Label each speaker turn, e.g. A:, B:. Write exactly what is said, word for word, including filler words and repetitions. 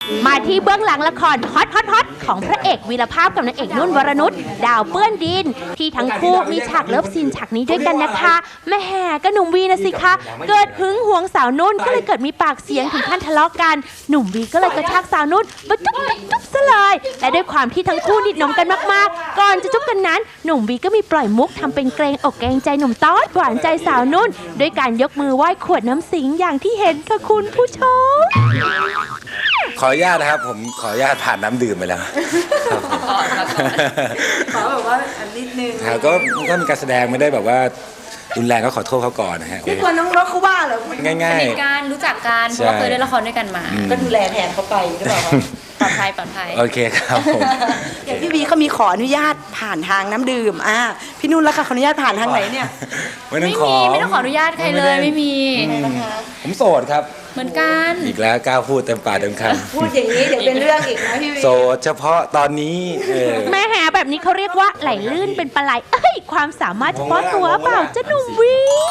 A: มาที่เบื้องหลังละครฮอตฮอตฮอตของพระเอกวีรภาพกับนางเอกนุ่นวรนุชดาวเปื้อนดิน ที่ทั้งคู่มีฉากเลิฟซีนฉากนี้ด้วยกันนะคะแม่แห่ก็หนุ่มวีนะสิคะเกิดหึงหวงสาวนุ่นก็เลยเกิดมีปากเสียงถึงขั้นทะเลาะกันหนุ่มวีก็เลยกระชากสาวนุ่นมาจุ๊บจุ๊บจุ๊บซะเลยและด้วยความที่ทั้งคู่นิดหนมกันมากๆก่อนจะจุ๊บกันนั้นหนุ่มวีก็มีปล่อยมุกทำเป็นเกรงอกเกรงใจหนุ่มต๊อดหวานใจสาวนุ่นด้วยการยกมือไหว้ขวดน้ำสิงอย่างที่เห็นค่ะคุณผู้ชม
B: ขออนุญาตนะครับผมขออนุญาตผ่านน้ำดื่มไปแล้ว
C: ขอแบบว่าอันนิดนึง
B: ครับก็ก็มีการแสดงไม่ได้แบบว่ารุนแรงก็ขอโทษเขาก่อนนะฮะ
C: พี่กลัวน้องรถเขาว่าเหรอ
B: ง่ายๆ
D: สนิทกันรู้จักกันเพราะว่าเคยเล่นละครด้วยกันมา
C: ก็ดูแลแทนเขาไปหรือเปล่า
D: ปลอดภัยปลอดภัย
B: โอเคครับผม
C: อย่างพี่วีเขามีขออนุญาตผ่านทางน้ำดื่มอ่ะพี่นุ่นแล้วค่ะขออนุญาตผ่านทางไหนเนี่ย
B: ไม่ต้องขอ
D: ไม่ต้องขออนุญาตใครเลยไม่มี
B: ผมโสดครับ
D: เหมือนกัน
B: อีกแล้วกล้าพูดเต็มปากเต็มคำ
C: พูดอย่างนี้เดี๋ยวเป็นเรื่องอีกนะพี่วี
B: โสดเฉพาะตอนนี้
A: แม่แห่แบบนี้เขาเรียกว่าไหลลื่นเป็นปลาไหลเอ้ยความสามารถเฉพาะตัวเปล่าจะหนุ่มวี